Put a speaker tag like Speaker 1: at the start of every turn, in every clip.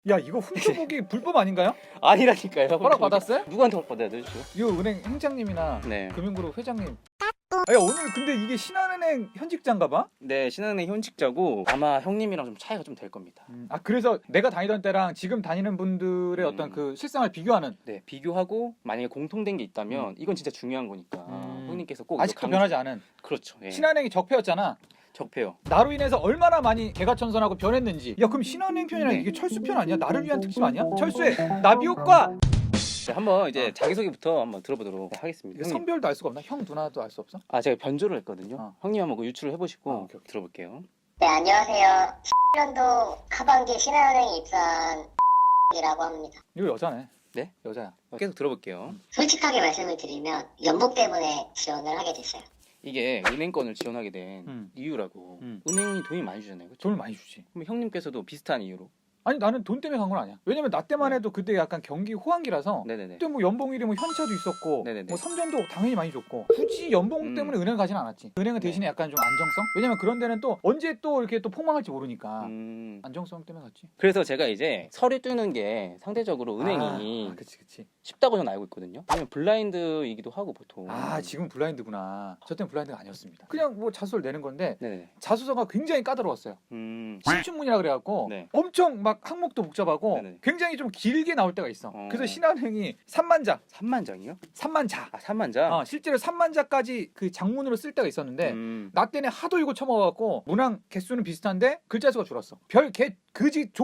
Speaker 1: 야 이거 훔쳐보기 불법 아닌가요?
Speaker 2: 아니라니까요.
Speaker 1: 허락 받았어요?
Speaker 2: 누구한테 허락 받아야 되죠?
Speaker 1: 이 은행 행장님이나
Speaker 2: 네.
Speaker 1: 금융그룹 회장님. 야 오늘 근데 이게 신한은행 현직자인가봐?
Speaker 2: 네, 신한은행 현직자고 아마 형님이랑 좀 차이가 좀 될 겁니다.
Speaker 1: 아 그래서 내가 다니던 때랑 지금 다니는 분들의 어떤 그 실상을 비교하는.
Speaker 2: 네, 비교하고 만약에 공통된 게 있다면 이건 진짜 중요한 거니까 형님께서 꼭
Speaker 1: 아직도
Speaker 2: 이거
Speaker 1: 변하지 않은.
Speaker 2: 그렇죠. 예.
Speaker 1: 신한은행이 적폐였잖아.
Speaker 2: 적폐요.
Speaker 1: 나로 인해서 얼마나 많이 개가천선하고 변했는지. 야 그럼 신한은행 편이랑 이게 철수 편 아니야? 나를 위한 특집 아니야? 철수의 나비 효과.
Speaker 2: 네, 한번 이제 자기소개부터 한번 들어보도록 하겠습니다.
Speaker 1: 이거
Speaker 2: 형님.
Speaker 1: 선별도 알 수가 없나? 형 누나도 알 수 없어?
Speaker 2: 아, 제가 변조를 했거든요. 형님 한번 그 유출을 해보시고
Speaker 1: 오케이, 오케이.
Speaker 2: 들어볼게요.
Speaker 3: 네, 안녕하세요. 10년도 하반기 신한은행에 입사한 이라고 합니다.
Speaker 1: 이거 여자네.
Speaker 2: 네?
Speaker 1: 여자야.
Speaker 2: 계속 들어볼게요.
Speaker 3: 솔직하게 말씀을 드리면 연봉 때문에 지원을 하게 됐어요.
Speaker 2: 이게 은행권을 지원하게 된 이유라고. 은행이 돈이 많이 주잖아요. 그렇죠?
Speaker 1: 돈을 많이 주지.
Speaker 2: 그럼 형님께서도 비슷한 이유로.
Speaker 1: 아니 나는 돈 때문에 간 건 아니야. 왜냐면 나 때만 해도 그때 약간 경기 호황기라서
Speaker 2: 네네네.
Speaker 1: 그때 뭐 연봉일이 뭐 현차도 있었고
Speaker 2: 네네네.
Speaker 1: 뭐 삼전도 당연히 많이 줬고 굳이 연봉 때문에 은행을 가진 않았지. 은행은 대신에 약간 좀 안정성? 왜냐면 그런 데는 또 언제 또 이렇게 또 폭망할지 모르니까 안정성 때문에 갔지.
Speaker 2: 그래서 제가 이제 서류 뜨는 게 상대적으로 은행이
Speaker 1: 그치.
Speaker 2: 쉽다고 저는 알고 있거든요. 왜냐면 블라인드이기도 하고 보통.
Speaker 1: 아 지금 블라인드구나. 저 때는 블라인드가 아니었습니다. 그냥 뭐 자소서를 내는 건데
Speaker 2: 네네.
Speaker 1: 자소서가 굉장히 까다로웠어요. 신춘문이라 그래갖고
Speaker 2: 네.
Speaker 1: 엄청 막 항목도 복잡하고
Speaker 2: 네네.
Speaker 1: 굉장히 좀 길게 나올 때가 있어. 그래서 신한은행이 3만 자,
Speaker 2: 3만 장이요?
Speaker 1: 3만 자.
Speaker 2: 아, 3만 장?
Speaker 1: 실제로 3만 자까지 그 장문으로 쓸 때가 있었는데 나 때는 하도 이거 쳐먹어갖고 문항 개수는 비슷한데 글자 수가 줄었어. 별 개 그지 족.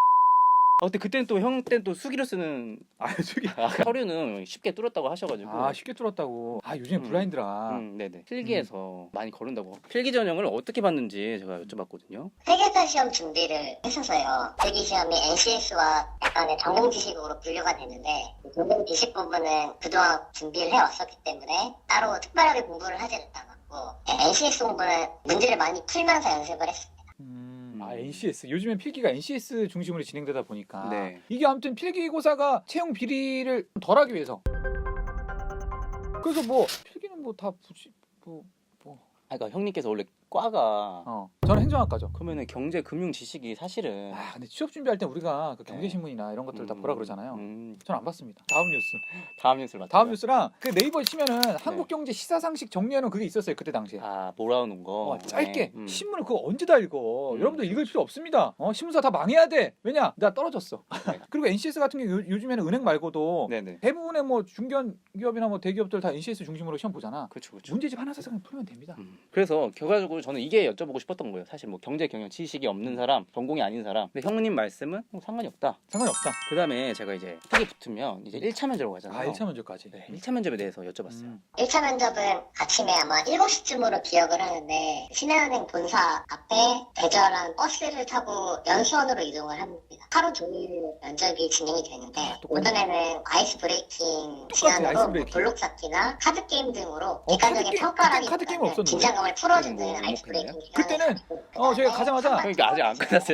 Speaker 2: 근데 그때는 또 형 때는 또 수기로 쓰는
Speaker 1: 저기
Speaker 2: 서류는 쉽게 뚫었다고 하셔가지고.
Speaker 1: 쉽게 뚫었다고. 요즘 블라인드라.
Speaker 2: 네네. 필기에서 많이 거른다고. 필기 전형을 어떻게 봤는지 제가 여쭤봤거든요.
Speaker 3: 회계사 시험 준비를 했어서요. 필기 시험이 NCS와 약간의 전공 지식으로 분류가 되는데 전공 지식 부분은 그동안 준비를 해왔었기 때문에 따로 특별하게 공부를 하지 않았고 NCS 공부는 문제를 많이 풀면서 연습을 했습니다.
Speaker 1: NCS. 요즘엔 필기가 NCS 중심으로 진행되다 보니까
Speaker 2: 네.
Speaker 1: 이게 아무튼 필기고사가 채용 비리를 덜하기 위해서. 그래서 뭐 필기는 뭐 다 굳이
Speaker 2: 그러니까 형님께서 원래 과가
Speaker 1: 저는 행정학과죠.
Speaker 2: 그러면은 경제 금융 지식이 사실은
Speaker 1: 근데 취업 준비할 때 우리가 그 경제신문이나 이런 것들을 다 보라 그러잖아요. 저는 안 봤습니다. 다음 뉴스.
Speaker 2: 다음 뉴스를
Speaker 1: 다음 뉴스랑 그 네이버 치면은 한국경제 시사상식 정리하는 그게 있었어요 그때 당시에.
Speaker 2: 몰아오는 거.
Speaker 1: 짧게. 신문을 그거 언제 다 읽어. 여러분들 읽을 필요 없습니다. 신문사 다 망해야 돼. 왜냐? 나 떨어졌어. 그리고 NCS 같은 게 요즘에는 은행 말고도
Speaker 2: 네네.
Speaker 1: 대부분의 뭐 중견기업이나 뭐 대기업들 다 NCS 중심으로 시험 보잖아.
Speaker 2: 그렇죠.
Speaker 1: 문제집 하나 사서 풀면 됩니다.
Speaker 2: 그래서 결과적으로 저는 이게 여쭤보고 싶었던 거예요. 사실 뭐 경제 경영 지식이 없는 사람, 전공이 아닌 사람. 근데 형님 말씀은 뭐 상관이 없다.
Speaker 1: 상관이 없다.
Speaker 2: 그다음에 제가 이제 필기 붙으면 이제 1차 면접으로 가잖아요.
Speaker 1: 1차 면접까지.
Speaker 2: 네, 1차 면접에 대해서 여쭤봤어요.
Speaker 3: 1차 면접은 아침에 아마 7시쯤으로 기억을 하는데 신한은행 본사 앞에 대절한 버스를 타고 연수원으로 이동을 합니다. 하루 종일 면접이 진행이 되는데 오전에는 아이스 브레이킹 시간으로 블록 쌓기나 카드 게임 등으로 객관적인 평가라기보다는 긴장감을 풀어주는 아이스 브레이킹
Speaker 1: 그때는 저희가 가자마자
Speaker 2: 그러니까 아직 안 끝났어요.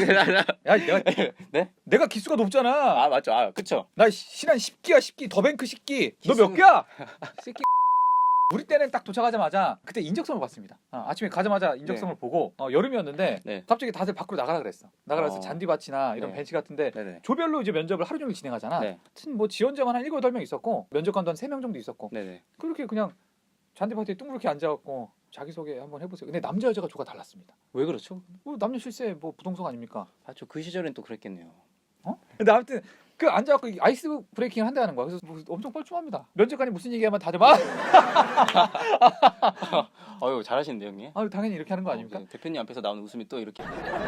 Speaker 1: 야 내가 기수가 높잖아.
Speaker 2: 맞죠. 그쵸.
Speaker 1: 나 신한 10기야 10기 더뱅크 10기. 너 몇 개야? 새끼. 우리 때는 딱 도착하자마자 그때 인적성을 봤습니다. 아침에 가자마자 인적성을 보고 여름이었는데 갑자기 다들 밖으로 나가라 그랬어. 나가라서 잔디밭이나 이런 벤치 같은데 조별로 이제 면접을 하루 종일 진행하잖아. 하여튼 뭐 지원자만 한 7, 8명 있었고 면접관도 한 3명 정도 있었고 그렇게 그냥 잔디밭에 둥그렇게 앉아갖고 자기소개 한번 해보세요. 근데 남자 여자가 조가 달랐습니다.
Speaker 2: 왜 그렇죠?
Speaker 1: 남녀 실세 뭐 부동성 아닙니까?
Speaker 2: 맞죠. 그 시절엔 또 그랬겠네요.
Speaker 1: 근데 아무튼 그 앉아갖고 아이스 브레이킹을 한다는 거야. 그래서 뭐 엄청 뻘쭘합니다. 면접관이 무슨 얘기하면 다들 막
Speaker 2: 아유 잘하시는데 형님.
Speaker 1: 당연히 이렇게 하는 거 아닙니까?
Speaker 2: 대표님 앞에서 나오는 웃음이 또 이렇게.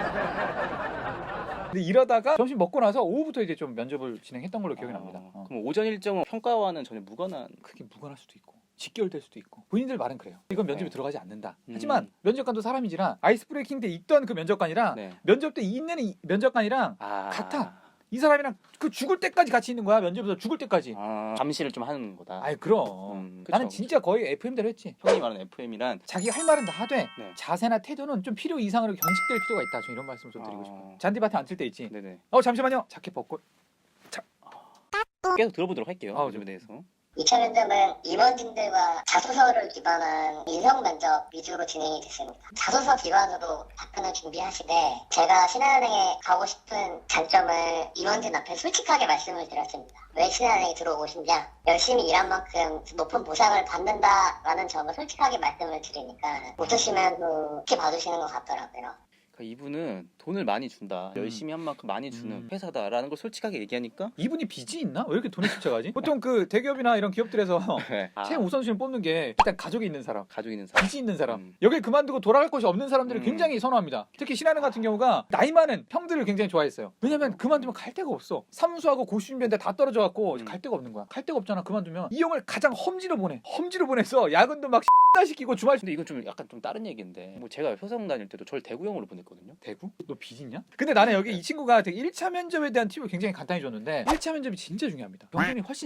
Speaker 1: 근데 이러다가 점심 먹고 나서 오후부터 이제 좀 면접을 진행했던 걸로 기억이 납니다.
Speaker 2: 그럼 오전 일정은 평가와는 전혀 무관한.
Speaker 1: 그게 무관할 수도 있고 직결될 수도 있고 본인들 말은 그래요. 이건 면접에 들어가지 않는다. 하지만 면접관도 사람이지라 아이스 브레이킹 때 있던 그 면접관이랑 면접 때 있는 면접관이랑 같아. 이 사람이랑 그 죽을 때까지 같이 있는 거야. 면접에서 죽을 때까지.
Speaker 2: 감시를 좀 하는 거다.
Speaker 1: 그럼. 나는 진짜 거의 FM대로 했지.
Speaker 2: 형이 말하는 FM이란
Speaker 1: 자기 할 말은 다 하되 자세나 태도는 좀 필요 이상으로 경직될 필요가 있다. 저 이런 말씀을 좀 드리고 싶어요. 잔디밭에 앉을 때 있지.
Speaker 2: 네네.
Speaker 1: 잠시만요. 자켓 벗고.
Speaker 2: 계속 들어보도록 할게요. 면접에 대해서.
Speaker 3: 2차 면접은 임원진들과 자소서를 기반한 인성 면접 위주로 진행이 됐습니다. 자소서 기반으로 답변을 준비하시되 제가 신한은행에 가고 싶은 장점을 임원진 앞에 솔직하게 말씀을 드렸습니다. 왜 신한은행에 들어오고 싶냐? 열심히 일한 만큼 높은 보상을 받는다라는 점을 솔직하게 말씀을 드리니까 웃으시면 좋게 봐주시는 것 같더라고요.
Speaker 2: 그러니까 이분은 돈을 많이 준다. 열심히 한 만큼 많이 주는 회사다라는 걸 솔직하게 얘기하니까
Speaker 1: 이분이 빚이 있나? 왜 이렇게 돈을 쫓아가지? 보통 그 대기업이나 이런 기업들에서 최고 우선순위 뽑는 게 일단 가족이 있는 사람,
Speaker 2: 가족이 있는 사람,
Speaker 1: 빚이 있는 사람, 여길 그만두고 돌아갈 곳이 없는 사람들을 굉장히 선호합니다. 특히 신한은행 같은 경우가 나이 많은 형들을 굉장히 좋아했어요. 왜냐면 그만두면 갈 데가 없어. 사무소하고 고시준비한데 다 떨어져갖고 갈 데가 없는 거야. 갈 데가 없잖아. 그만두면 이 형을 가장 험지로 보내. 험지로 보내서 야근도 막 시키고 주말.
Speaker 2: 근데 이건 좀 약간 좀 다른 얘기인데 뭐 제가 효성 다닐 때도 저를 대구형으로 보냈거든요.
Speaker 1: 대구? 너 빚 있냐? 근데 나는 여기 이 친구가 되게 1차 면접에 대한 팁을 굉장히 간단히 줬는데 1차 면접이 진짜 중요합니다. 경쟁이 훨씬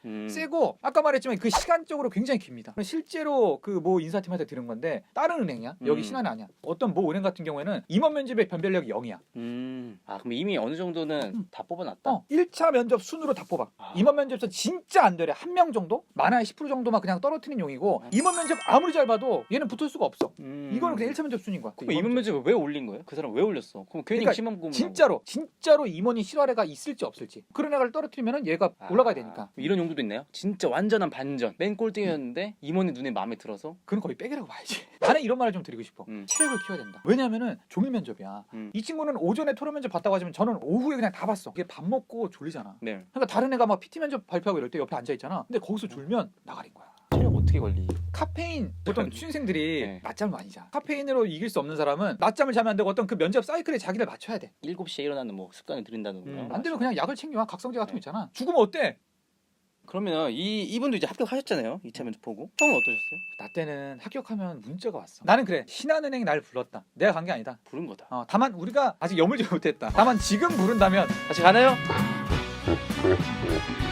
Speaker 1: 세고 아까 말했지만 그 시간적으로 굉장히 깁니다. 실제로 그 뭐 인사팀한테 들은 건데 다른 은행이야. 여기 신한은 아니야. 어떤 뭐 은행 같은 경우에는 임원 면접의 변별력이 0이야.
Speaker 2: 아 그럼 이미 어느 정도는 다 뽑아놨다.
Speaker 1: 1차 면접 순으로 다 뽑아. 임원 면접에서 진짜 안 되래. 한 명 정도? 많아야 10% 정도만 그냥 떨어뜨리는 용이고 임원 면접 아무리 잘 봐도 얘는 붙을 수가 없어. 이거는 그냥 1차 면접 순인 거야.
Speaker 2: 그럼 임원 면접을 왜 올린 거예요? 그 사람 왜 올렸어? 그럼 괜히
Speaker 1: 그러니까
Speaker 2: 심한 부분
Speaker 1: 진짜로 임원이 실활 애가 있을지 없을지 그런 애를 떨어뜨리면은 얘가 올라가야 되니까.
Speaker 2: 이런 용도도 있나요? 진짜 완전한 반전. 맨 꼴등이었는데 임원이 눈에 마음에 들어서
Speaker 1: 그건 거의 빼기라고 봐야지. 나는 이런 말을 좀 드리고 싶어. 체력을 키워야 된다. 왜냐면은 종일 면접이야. 이 친구는 오전에 토론 면접 봤다고 하지만 저는 오후에 그냥 다 봤어. 이게 밥 먹고 졸리잖아.
Speaker 2: 네.
Speaker 1: 그러니까 다른 애가 막 PT 면접 발표하고 이럴 때 옆에 앉아 있잖아. 근데 거기서 졸면 나가린 거야.
Speaker 2: 체력 어떻게 관리?
Speaker 1: 카페인 보통 취준생들이
Speaker 2: 네.
Speaker 1: 낮잠을 많이 자. 카페인으로 이길 수 없는 사람은 낮잠을 자면 안 되고 어떤 그 면접 사이클에 자기를 맞춰야 돼.
Speaker 2: 7시에 일어나는 뭐 습관을 들인다는 거예요.
Speaker 1: 안 되면 그냥 약을 챙겨와. 각성제 같은 거 있잖아. 죽으면 어때?
Speaker 2: 그러면 이분도 이제 합격하셨잖아요. 2차 면접 보고. 형은 어떠셨어요?
Speaker 1: 나 때는 합격하면 문자가 왔어. 나는 그래. 신한은행이 날 불렀다. 내가 간 게 아니다.
Speaker 2: 부른 거다.
Speaker 1: 다만 우리가 아직 여물지 못했다. 다만 지금 부른다면
Speaker 2: 같이 가나요?